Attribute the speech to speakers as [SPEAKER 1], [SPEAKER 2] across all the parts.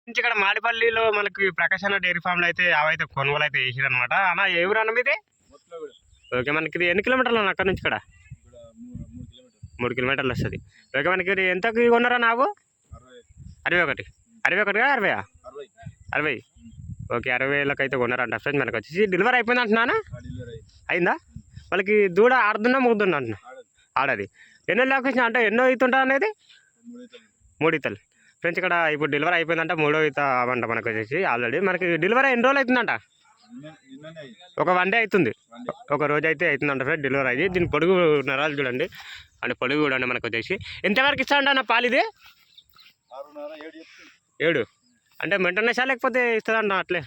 [SPEAKER 1] ఇక్కడ మాడిపల్లిలో మనకి ప్రకాశ్ అన్న డైరీ ఫామ్లో అయితే అవైతే కొనుగోలు అయితే చేసిరనమాట. అన్న ఏ ఊరు అన్న మీది? ఓకే, మనకి ఇది ఎన్ని కిలోమీటర్లు అన్న అక్కడ నుంచి? ఇక్కడ 3 కిలోమీటర్లు వస్తుంది. ఓకే, మనకి ఇది ఎంతకి కొన్నారా? నాకు 61 60 60. ఓకే, 60,000 అయితే కొన్నారంట ఫ్రెండ్స్. మనకు వచ్చేసి డెలివరీ అయిపోయింది అంటున్నానా? అయిందా? వాళ్ళకి దూడ ఆడుతున్నా ముగ్గుతున్నా అంటున్నా? ఆడది. ఎన్నో లొకేషన్ అంటే ఎన్నో అవుతుంటా అనేది? 3 ఈతలు ఫ్రెండ్స్. ఇక్కడ ఇప్పుడు డెలివరీ అయిపోయిందంట, 3వ ఈత అవంట మనకు వచ్చేసి. ఆల్రెడీ మనకి డెలివరీ ఎన్ని రోజులు అవుతుందంట? ఒక 1 డే అవుతుంది, ఒక రోజు అయితే అవుతుందంట ఫ్రెండ్ డెలివరీ అయ్యి. దీని పొడుగు నరాలు చూడండి, అంటే పొడుగు చూడండి మనకు వచ్చేసి. ఎంతవరకు ఇస్తాడంట అన్న పాలు ఇది? 7 అంటే మెయింటెనెన్స్ లేకపోతే ఇస్తుందంట అట్లే?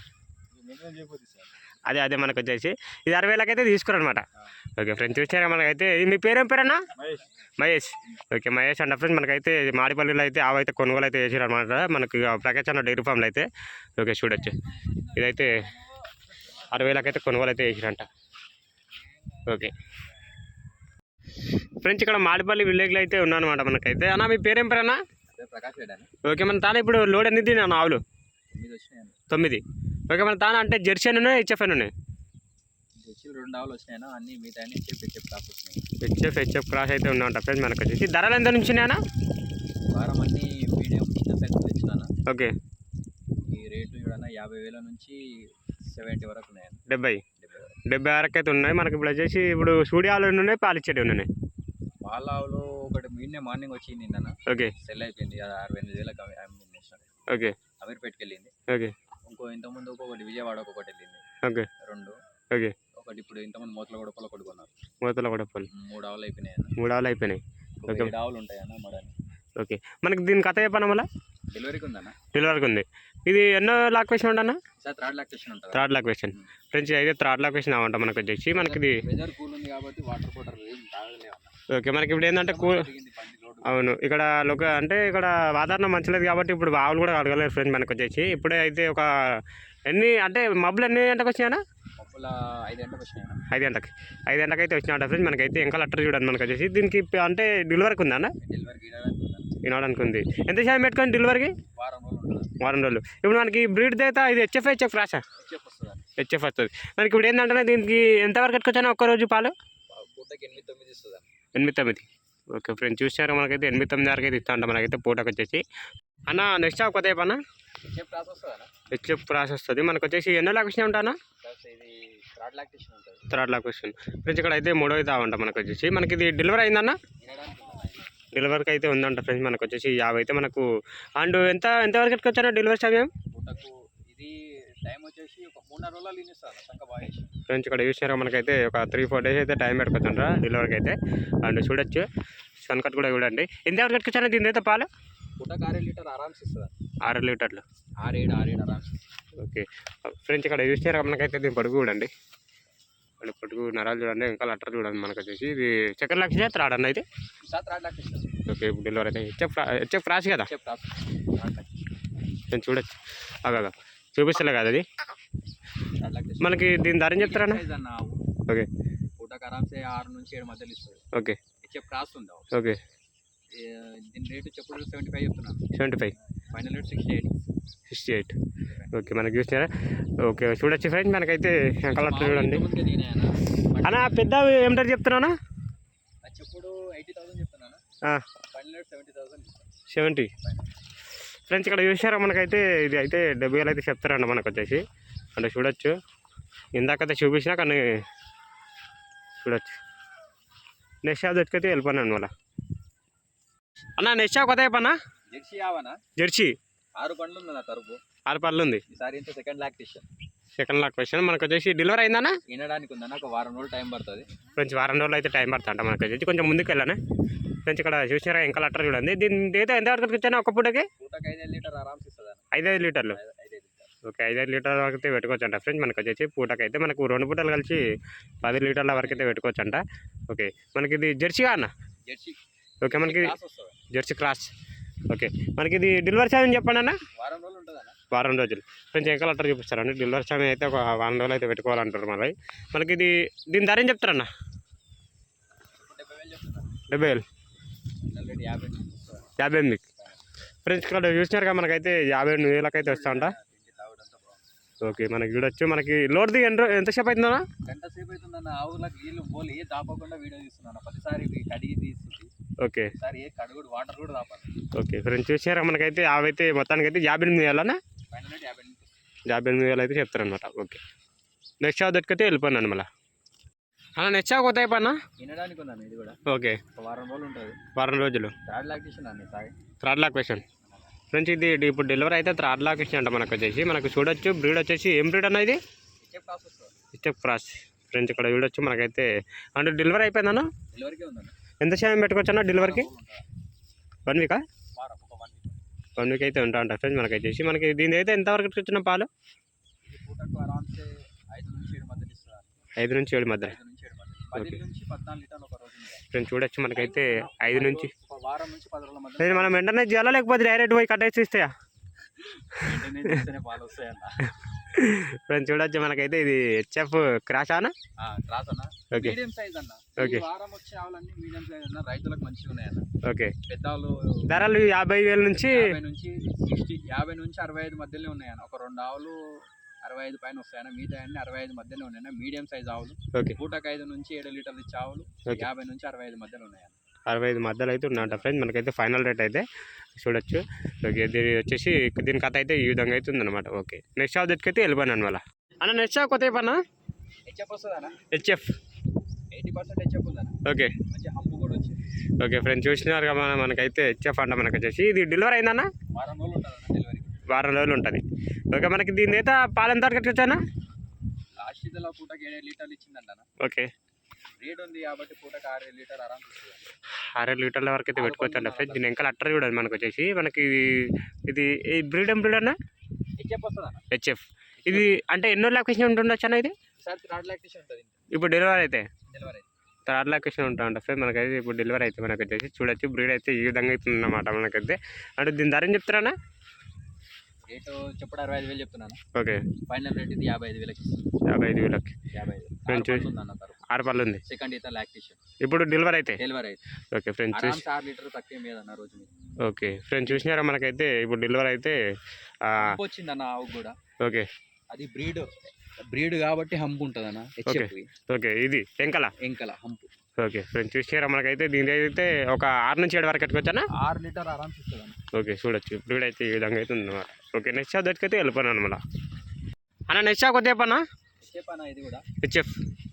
[SPEAKER 1] అదే మనకు వచ్చేసి ఇది 60,000 అయితే తీసుకురనమాట. ఓకే ఫ్రెండ్స్, చూసారా మనకైతే. మీ పేరేం పేరన్నా? మహేష్. ఓకే, మహేష్ అంట ఫ్రెండ్స్. మనకైతే మాడిపల్లిలో అయితే అవైతే కొనుగోలు అయితే చేసారనమాట మనకి ప్రకాశ్ అన్న డైరీ ఫామ్లో అయితే. ఓకే, చూడొచ్చు. ఇదైతే 60,000 అయితే కొనుగోలు అయితే చేసిరంట. ఓకే ఫ్రెండ్స్, ఇక్కడ మాడిపల్లి విలేజ్లో అయితే ఉన్నానమాట మనకైతే. అన్న మీ పేరేం పేరన్నా? ఓకే, మన తాను ఇప్పుడు లోడ్ ఎన్ని తిన్నాను? ఆవులు 9. ఓకే, మన తాను అంటే జెర్సీ అని ఉన్నాయి, హెచ్ఎఫ్ అని ఉన్నాయి?
[SPEAKER 2] 2 ఆవులు వచ్చినాయన్నా, అన్ని మిగతా
[SPEAKER 1] హెచ్ఎఫ్ క్రాస్ అయితే ఉన్నాయంట ఫ్రెండ్స్. మనకు వచ్చేసి ధరలు ఎంత నుంచి ఉన్నాయన్నా?
[SPEAKER 2] వారం అన్ని మీడియం చిన్న సైజు తెచ్చినాను.
[SPEAKER 1] ఓకే,
[SPEAKER 2] ఈ రేటు చూడన్నా 50,000 నుంచి 70 వరకు ఉన్నాయన్న.
[SPEAKER 1] 70 వరకు అయితే ఉన్నాయి మనకి. ఇప్పుడు వచ్చేసి ఇప్పుడు సూడి ఆవులు ఉన్నాయి, పాలిచ్చేటివి ఉన్నాయి.
[SPEAKER 2] పాల ఆవులు ఒకటి మార్నింగ్ వచ్చి నిన్న. ఓకే, సెల్ అయిపోయింది, 68,000 అమ్మినేసాను.
[SPEAKER 1] ఓకే,
[SPEAKER 2] అమీర్పేటకి వెళ్ళింది. ఓకే, ఇంతకుముందు ఒకటి విజయవాడకు ఒకటి వెళ్ళింది. ఓకే, 2. ఓకే, ఒకటి ఇప్పుడు ఇంతకుముందు మూతలగొడపల్లి ఒకటి కొన్నారు. 3 ఆవులు అయిపోయినాయి. 3 ఆవులు అయిపోయినాయి. ఓకే, 7 ఆవులు ఉంటాయన్న మడని. ఓకే, మనకి దీని కథ చెప్పాను మళ్ళీ. డెలివరీకి ఉందన్న? డెలివరీకి ఉంది. ఇది ఎన్నో లాక్వేషన్ ఉండన్నా? సార్ 3rd లాక్వేషన్ ఉంటుంది. 3rd లాక్వేషన్ friends. అయితే 3rd లాక్వేషన్ అవంట మనకు వచ్చేసి. మనకి ఇది వెదర్ కూల్ ఉంది కాబట్టి వాటర్ బాటిల్ ఏం తాగలేము. ఓకే, మనకి ఇప్పుడు ఏంటంటే అవును, ఇక్కడ అంటే ఇక్కడ వాతావరణం మంచిలేదు కాబట్టి ఇప్పుడు ఆవులు కూడా అడగలేదు ఫ్రెండ్స్ మనకు వచ్చేసి. ఇప్పుడే అయితే ఒక ఎన్ని అంటే మబ్బులు ఎన్ని గంటకు వచ్చినాయన్నా? 5 గంటలకు వచ్చినాయి. 5 గంటకి అయితే వచ్చినాయంట ఫ్రెండ్స్. మనకైతే ఇంకా లెటర్ చూడండి మనకు వచ్చేసి. దీనికి అంటే డెలివరీకి ఉందా అన్న? వినడానికి ఉంది. ఎంత శాతం పెట్టుకొని డెలివరీకి? వారం రోజులు. ఇప్పుడు మనకి బ్రీడ్ అయితే ఇది హెచ్ఎఫ్ రాసా? హెచ్ఎఫ్ వస్తుంది మనకి. ఇప్పుడు ఏంటంటే దీనికి ఎంతవరకు కట్టుకొచ్చాను ఒక్కరోజు పాలు? 8-9. ఓకే ఫ్రెండ్స్, చూసారు మనకైతే 8-9 వరకు అయితే ఇస్తా అంట మనకైతే పూటకు వచ్చేసి. అన్న నెక్స్ట్ కొత్త అన్న హెచ్ఎఫ్ ప్రాసెస్ వస్తుంది మనకు వచ్చేసి. ఎన్నో లాక్వేషన్ ఉంటా అన్న? 3rd లాక్వేషన్ friends. ఇక్కడ అయితే 3వ అయితే అవంట మనకు వచ్చేసి. మనకి ఇది డెలివరీ అయిందన్న? డెలివరీకి అయితే ఉందంట ఫ్రెండ్స్. మనకు వచ్చేసి 50 అయితే మనకు. అండ్ ఎంతవరకు కట్టుకొచ్చాను డెలివరీ సమయం? ఇది టైం వచ్చేసి ఒక 3-4 రోజులు ఫ్రెండ్స్. ఇక్కడ చూసారా మనకైతే ఒక 3-4 డేస్ అయితే టైం పెట్టుకోవచ్చంట డెలివరీకి అయితే. అండ్ చూడొచ్చు సన్కట్ కూడా చూడండి. ఎంతవరకు కట్టుకొచ్చాను దీని అయితే పాలు? 6 లీటర్ ఆరామ్స్ ఇస్తుంది. 6 లీటర్లు 6-7 ఆరామ్స్. ఓకే ఫ్రెండ్స్, ఇక్కడ చూసారా మనకైతే దీని పొడుగు చూడండి, అండ్ పొడుగు నరాలు చూడండి, ఇంకా లెటర్ చూడండి మనకు వచ్చేసి. ఇది 2nd లాక్వేషన్ 3rd అన్న అయితే? 3rd lactation. ఓకే, ఇప్పుడు డెలివరీ అయితే హెచ్ఎఫ్ రాసి కదా నేను చూడొచ్చు. అగా చూపిస్తలే కదా అది మనకి. దీని ధర చెప్తారా? ఓకే, పూటకు ఆరామ్సే 6 నుంచి 7 మధ్యలో ఇస్తుంది. ఓకే, హెచ్ఎఫ్ క్రాస్ ఉంది. ఓకే, దీని రేటు చెప్పుడు 75 చెప్తున్నాను. 75 ఫైనల్ రేట్ 68. ఓకే, మనకి చూసినారా? ఓకే, చూడొచ్చు ఫ్రెండ్స్. మనకైతే కలర్ చూడండి అన్న. పెద్ద ఏమిటారు చెప్తున్నానా? చెప్పుడు 80,000 చెప్తున్నాను. Final rate 70,000. ఫ్రెండ్స్, ఇక్కడ చూసారా మనకైతే ఇది అయితే 70,000 అయితే చెప్తారండి మనకు వచ్చేసి. అంటే చూడొచ్చు, ఇందాకైతే చూపించినా కానీ చూడొచ్చు. నెక్స్ట్ షాప్ దగ్గరికి వెళ్ళిపోయాను మళ్ళీ. అన్న నెక్స్ట్ షాప్ కొత్త అయిపోయినా? జెర్సీ 6 పండ్లు ఉంది నా తరపు. 6 పండ్లు ఉంది. ఈసారి ఇంత 2nd లాక్వేషన్ మనకు వచ్చేసి. డెలివరీ అయిందన్నా? వినడానికి ఉందన్న, ఒక వారం రోజులు టైం పడుతుంది ఫ్రెండ్స్. వారం రోజులు అయితే టైం పడుతుంట మనకు వచ్చేసి. కొంచెం ముందుకు వెళ్ళాను ఫ్రెండ్స్. ఇక్కడ చూసినారా ఇంకా లెటర్ చూడండి. దీని అయితే ఎంతవరకు వచ్చాను ఒక పూటకి? 5-5 లీటర్ ఆరామ్స్ ఇస్తుంది. 5-5 లీటర్లు. ఓకే, 5-5 లీటర్ల వరకు అయితే పెట్టుకోవచ్చు అంట ఫ్రెండ్స్. మనకు వచ్చేసి పూటకైతే మనకు 2 పూటలు కలిసి 10 లీటర్ల వరకు అయితే పెట్టుకోవచ్చు అంట. ఓకే, మనకి ఇది జెర్సీగా అన్న? ఓకే, మనకి జెర్సీ క్రాస్. ఓకే, మనకి ఇది డెలివరీ సమయం చెప్పండి అన్న? వారం రోజులు ఫ్రెండ్స్. ఇంకా లెటర్ చూపిస్తారండి. డెలివరీ సమయం అయితే ఒక వారం రోజులు అయితే పెట్టుకోవాలంటారు మళ్ళీ. మనకి ఇది దీని ధర ఏం చెప్తారన్న? 70,000. 58.
[SPEAKER 1] ఫ్రెండ్స్ ఇక్కడ చూసినారుగా మనకైతే 52,000 అయితే వస్తా. ఓకే, మనకి చూడొచ్చు. మనకి లోడ్ది ఎంతసేపు అవుతుందా?
[SPEAKER 2] గంట సేపు అవుతుందన్న. ఆవులకు నీళ్ళు పోలి దాపకుండా వీడియో తీస్తున్నాను. ప్రతిసారి కడిగి తీస్తుంది.
[SPEAKER 1] ఓకే,
[SPEAKER 2] సార్ ఏ కడుగుడు వాటర్ కూడా దాపాలి.
[SPEAKER 1] ఓకే ఫ్రెండ్స్ చూసినారా మనకైతే అవైతే మొత్తానికి అయితే 58,000
[SPEAKER 2] ఫైనల్ 50
[SPEAKER 1] 58,000 అయితే చెప్తారనమాట. ఓకే, నెక్స్ట్ షాప్ దొరికితే వెళ్ళిపోయినాను మళ్ళీ. అలా నెక్స్ట్ షాప్ కొత్త అయిపోయినా
[SPEAKER 2] వినడానికి ఉందన్న. ఇది కూడా
[SPEAKER 1] ఓకే,
[SPEAKER 2] ఒక వారం రోజులు ఉంటుంది.
[SPEAKER 1] వారం రోజులు.
[SPEAKER 2] థర్డ్ లాక్టేషన్ అన్న సాయి.
[SPEAKER 1] Third lactation friends. ఇది ఇప్పుడు డెలివరీ అయితే థర్డ్ లాక్టేషన్ అంట మనకు వచ్చేసి. మనకు చూడొచ్చు బ్రీడ్ వచ్చేసి ఏం బ్రీడ్ అన్న ఇది? Step cross friends. ఇక్కడ చూడొచ్చు మనకైతే. అంటే డెలివరీ అయిపోయిందన్న?
[SPEAKER 2] డెలివరీకే ఉందన్న.
[SPEAKER 1] ఎంత సమయం పెట్టుకోవచ్చు అన్న డెలివరీకి? 1 వీకా?
[SPEAKER 2] వారం, ఒక
[SPEAKER 1] 1 వీక్ అయితే ఉంటా అంట ఫ్రెండ్స్. మనకి వచ్చేసి మనకి దీని అయితే ఎంతవరకు వచ్చిన పాలు?
[SPEAKER 2] పూటకు అరౌండ్ 5 నుంచి 7 మధ్యలో ఇస్తారు.
[SPEAKER 1] 5 నుంచి 7 మధ్య.
[SPEAKER 2] 10 నుంచి 14 లీటర్లు ఒక రోజు.
[SPEAKER 1] ఫ్రెండ్స్ చూడొచ్చు మనకైతే 5 నుంచి
[SPEAKER 2] ఒక వారం నుంచి 10 రోజుల మధ్య.
[SPEAKER 1] మనం వెంటనే చేయాలా లేకపోతే డైరెక్ట్ పోయి కట్టేసి ఇస్తాయా?
[SPEAKER 2] పాలు వస్తాయన్న.
[SPEAKER 1] ఫ్రెండ్స్ చూడొచ్చు మనకైతే ఇది హెచ్ఎఫ్ క్రాస్ అన్న.
[SPEAKER 2] క్రాస్ అన్న.
[SPEAKER 1] ఓకే,
[SPEAKER 2] మీడియం సైజ్ అన్న.
[SPEAKER 1] ఓకే,
[SPEAKER 2] వారం వచ్చే ఆవులన్నీ మీడియం సైజ్ అన్న. రైతులకు మంచిగా ఉన్నాయన్న.
[SPEAKER 1] ఓకే.
[SPEAKER 2] పెద్దలు
[SPEAKER 1] ధరలు 50,000 నుంచి
[SPEAKER 2] 50 నుంచి 60, 50 నుంచి 65 మధ్యలో ఉన్నాయన్న. ఒక 2 ఆవులు 65 పైన వస్తాయన్న. మిగతా అన్ని 65 మధ్యలో ఉన్నాయన్న. మీడియం సైజ్ ఆవులు.
[SPEAKER 1] ఓకే,
[SPEAKER 2] పూటకు 5 నుంచి 7 లీటర్లు ఇచ్చే ఆవులు 50 నుంచి 65 మధ్యలో ఉన్నాయన్న.
[SPEAKER 1] 65 మధ్యలో అయితే ఉన్నట ఫ్రెండ్స్. మనకైతే ఫైనల్ రేట్ అయితే చూడొచ్చు. ఓకే, దీని వచ్చేసి దీని కథ అయితే ఈ విధంగా అయితే ఉందన్నమాట. ఓకే, నెక్స్ట్ షాప్ దగ్గరికి అయితే వెళ్ళిపోయాను మళ్ళీ. అన్న నెక్స్ట్ షాప్ కొత్త అయిపోయినా?
[SPEAKER 2] హెచ్ఎఫ్ వస్తుందన్న.
[SPEAKER 1] హెచ్ఎఫ్
[SPEAKER 2] 80% హెచ్ఎఫ్ ఉందన్న.
[SPEAKER 1] ఓకే,
[SPEAKER 2] మంచి హంపు కూడా వచ్చింది.
[SPEAKER 1] ఓకే ఫ్రెండ్స్ చూసినారు కదా మనకైతే హెచ్ఎఫ్ అంట. మనకు వచ్చేసి ఇది డెలివరీ అయిందన్న?
[SPEAKER 2] వారం రోజులు ఉంటుందన్న డెలివరీ.
[SPEAKER 1] వారం రోజులు ఉంటుంది. ఓకే, మనకి దీని అయితే పాలు ఎంత వరకు వచ్చానా?
[SPEAKER 2] లాస్ట్ ఇదిలో పూటకి 7 లీటర్లు ఇచ్చిందంట.
[SPEAKER 1] ఓకే,
[SPEAKER 2] రేట్ ఉంది కాబట్టి పూటకి 6 లీటర్ ఆరామ్ ఇస్తుంది.
[SPEAKER 1] 6 లీటర్ల వరకు అయితే పెట్టుకోవచ్చు అంట ఫ్రెండ్స్. దీని ఇంకా అట్టర్ చూడండి మనకు వచ్చేసి. మనకి ఇది బ్రీడ్ అన్న?
[SPEAKER 2] హెచ్ఎఫ్ వస్తుందన్న.
[SPEAKER 1] హెచ్ఎఫ్. ఇది అంటే ఎన్నో లాక్టేషన్ ఉంటుండొచ్చు అన్న ఇది?
[SPEAKER 2] సార్ థర్డ్ లాక్టేషన్ ఉంటుంది
[SPEAKER 1] ఇప్పుడు డెలివరీ అయితే.
[SPEAKER 2] డెలివరీ
[SPEAKER 1] థర్డ్ లాక్టేషన్ ఉంటా ఫ్రెండ్. మనకైతే ఇప్పుడు డెలివరీ అయితే మనకు వచ్చేసి చూడొచ్చు. బ్రీడ్ అయితే ఈ విధంగా అవుతుంది అన్నమాట మనకైతే. అంటే దీని ధర ఏం చెప్తారా?
[SPEAKER 2] రేటు చెప్పడం 65,000 చెప్తున్నాను.
[SPEAKER 1] ఓకే,
[SPEAKER 2] ఫైనల్ రేట్ ఇది 55,000కి.
[SPEAKER 1] 55,000కి.
[SPEAKER 2] 55
[SPEAKER 1] 6 పళ్ళు ఉంది.
[SPEAKER 2] సెకండ్ అయితే లాక్టేషన్.
[SPEAKER 1] ఇప్పుడు డెలివరీ అయితే.
[SPEAKER 2] డెలివరీ అయితే
[SPEAKER 1] ఓకే ఫ్రెండ్స్.
[SPEAKER 2] 6 లీటర్ తక్కువ మీద అన్న రోజు మీద.
[SPEAKER 1] ఓకే ఫ్రెండ్స్ చూసినారా మనకైతే ఇప్పుడు డెలివరీ అయితే
[SPEAKER 2] వచ్చిందన్న ఆవు కూడా.
[SPEAKER 1] ఓకే,
[SPEAKER 2] అది బ్రీడ్ కాబట్టి హంపు ఉంటుంది అన్న.
[SPEAKER 1] ఓకే, ఇది
[SPEAKER 2] ఎంకల హంపు.
[SPEAKER 1] ఓకే ఫ్రెండ్స్ చూసినారా మనకైతే దీని అయితే ఒక 6 నుంచి 7 వరకు పెట్టుకోవచ్చా?
[SPEAKER 2] 6 లీటర్ ఆరామ్స్ ఇస్తుంది అన్న.
[SPEAKER 1] ఓకే చూడొచ్చు. బ్రీడ్ అయితే ఈ విధంగా అయితే ఉందన్నమాట. ఓకే, నెక్స్ట్ షాప్ దగ్గరికి అయితే వెళ్ళిపోయాను మళ్ళీ. అన్న నెక్స్ట్ షాప్ కొద్ది చెప్పన్నా?
[SPEAKER 2] ఇది కూడా
[SPEAKER 1] హెచ్ఎఫ్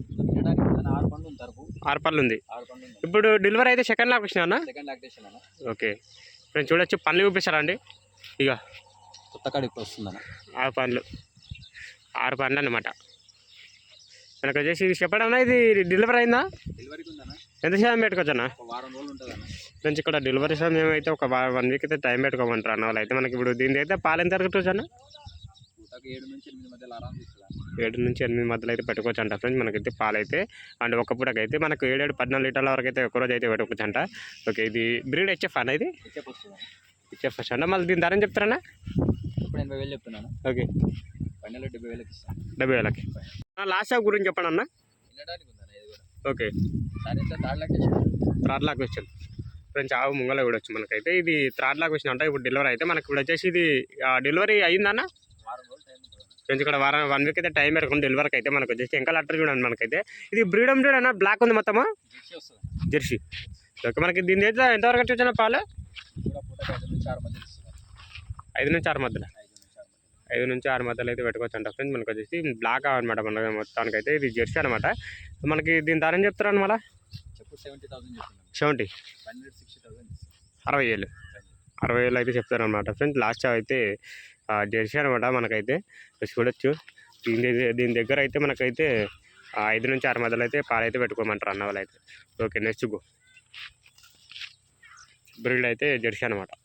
[SPEAKER 2] 6 పండ్లు ఉంది.
[SPEAKER 1] 6 పళ్ళు ఉంది.
[SPEAKER 2] 6 పండ్లు ఉంది.
[SPEAKER 1] ఇప్పుడు డెలివరీ అయితే సెకండ్ లాక్టేషన్ అన్న?
[SPEAKER 2] సెకండ్ లాక్టేషన్ అన్న.
[SPEAKER 1] ఓకే ఫ్రెండ్స్ చూడొచ్చు. పళ్ళు చూపిస్తారా అండి? ఇక
[SPEAKER 2] కొత్త కాడికి వస్తుందన్న.
[SPEAKER 1] 6 పండ్లు అన్నమాట. మనకు వచ్చేసి ఇది చెప్పడన్నా ఇది డెలివరీ అయిందా?
[SPEAKER 2] డెలివరీకి ఉందన్న.
[SPEAKER 1] ఎంత సమయం పెట్టుకోవచ్చన్నా?
[SPEAKER 2] ఒక వారం రోజులు ఉంటుంది అన్న.
[SPEAKER 1] ఫ్రెండ్స్ ఇక్కడ డెలివరీ సమయం అయితే ఒక 1 వీక్ అయితే టైం పెట్టుకోమంటారు అన్న వాళ్ళు అయితే. మనకి ఇప్పుడు దీని అయితే పాలు ఎంత పెట్టుకోవచ్చు అన్న?
[SPEAKER 2] 7 నుంచి 8 మధ్యలో ఆరామ్ ఇస్తుంది.
[SPEAKER 1] 7 నుంచి 8 మధ్యలో అయితే పెట్టుకోవచ్చు అంట ఫ్రెండ్స్. మనకైతే పాలు అయితే అండ్ ఒక పూటకైతే మనకు 7-14 లీటర్ల వరకు అయితే ఒక రోజు అయితే పెట్టుకోవచ్చు అంట. ఓకే, ఇది బ్రీడ్ హెచ్ఎఫ్ అన్న? ఇది
[SPEAKER 2] హెచ్ఎఫ్ వస్తుంది.
[SPEAKER 1] హెచ్ఎఫ్ ఫస్ట్ అంట. మళ్ళీ దీని ధర ఏం చెప్తారన్నా?
[SPEAKER 2] ఇప్పుడు 80,000 చెప్తున్నాను.
[SPEAKER 1] ఓకే,
[SPEAKER 2] ఫైనల్ 70,000కి ఇస్తాను.
[SPEAKER 1] 70,000కి. లాస్ట్ షాప్ గురించి చెప్పండి అన్న.
[SPEAKER 2] వినడానికి ఉందన్న ఇది కూడా.
[SPEAKER 1] ఓకే,
[SPEAKER 2] దాని third lactation.
[SPEAKER 1] Third lactation friends. ఆవు ముంగల కూడా వచ్చి మనకైతే ఇది థర్డ్ లాక్టేషన్ అంట. ఇప్పుడు డెలివరీ అయితే మనకి ఇప్పుడు వచ్చేసి ఇది డెలివరీ అయ్యిందన్న?
[SPEAKER 2] వారం రోజులు టైం ఉంటుంది
[SPEAKER 1] ఫ్రెండ్స్. ఇక్కడ 1 వీక్ అయితే టైం పెట్టుకుని డెలివరీకి అయితే మనకు వచ్చేసి ఇంకా లెటర్ చూడండి మనకైతే. ఇది బ్రీడ్ అన్న? బ్లాక్ ఉంది మొత్తము.
[SPEAKER 2] జెర్సీ వస్తుంది.
[SPEAKER 1] జెర్సీ. ఓకే, మనకి దీని అయితే ఎంతవరకు వచ్చిన పాలు?
[SPEAKER 2] కూడా పూటకి 5 నుంచి 6 మధ్యలో ఇస్తుంది.
[SPEAKER 1] 5 నుంచి 6 మధ్యలో. 5 నుంచి 6 మధ్యలో అయితే పెట్టుకోవచ్చు అంట ఫ్రెండ్స్. మనకు వచ్చేసి బ్లాక్ అనమాట మన మొత్తానికి అయితే. ఇది జెర్సీ అనమాట. మనకి దీని ధర ఏం చెప్తారు అనమాట?
[SPEAKER 2] చెప్పు 70,000 చెప్తున్నాను.
[SPEAKER 1] 70.
[SPEAKER 2] 60,000.
[SPEAKER 1] 60,000. 60,000 అయితే చెప్తారనమాట ఫ్రెండ్స్. లాస్ట్ అయితే జెర్సీ అనమాట మనకైతే. చూడొచ్చు. దీని దగ్గర అయితే మనకైతే 5 నుంచి 6 మధ్యలో అయితే పాలు అయితే పెట్టుకోమంటారు అన్న వాళ్ళు అయితే. Okay, next go. బ్రీడ్ అయితే జెర్సీ అనమాట.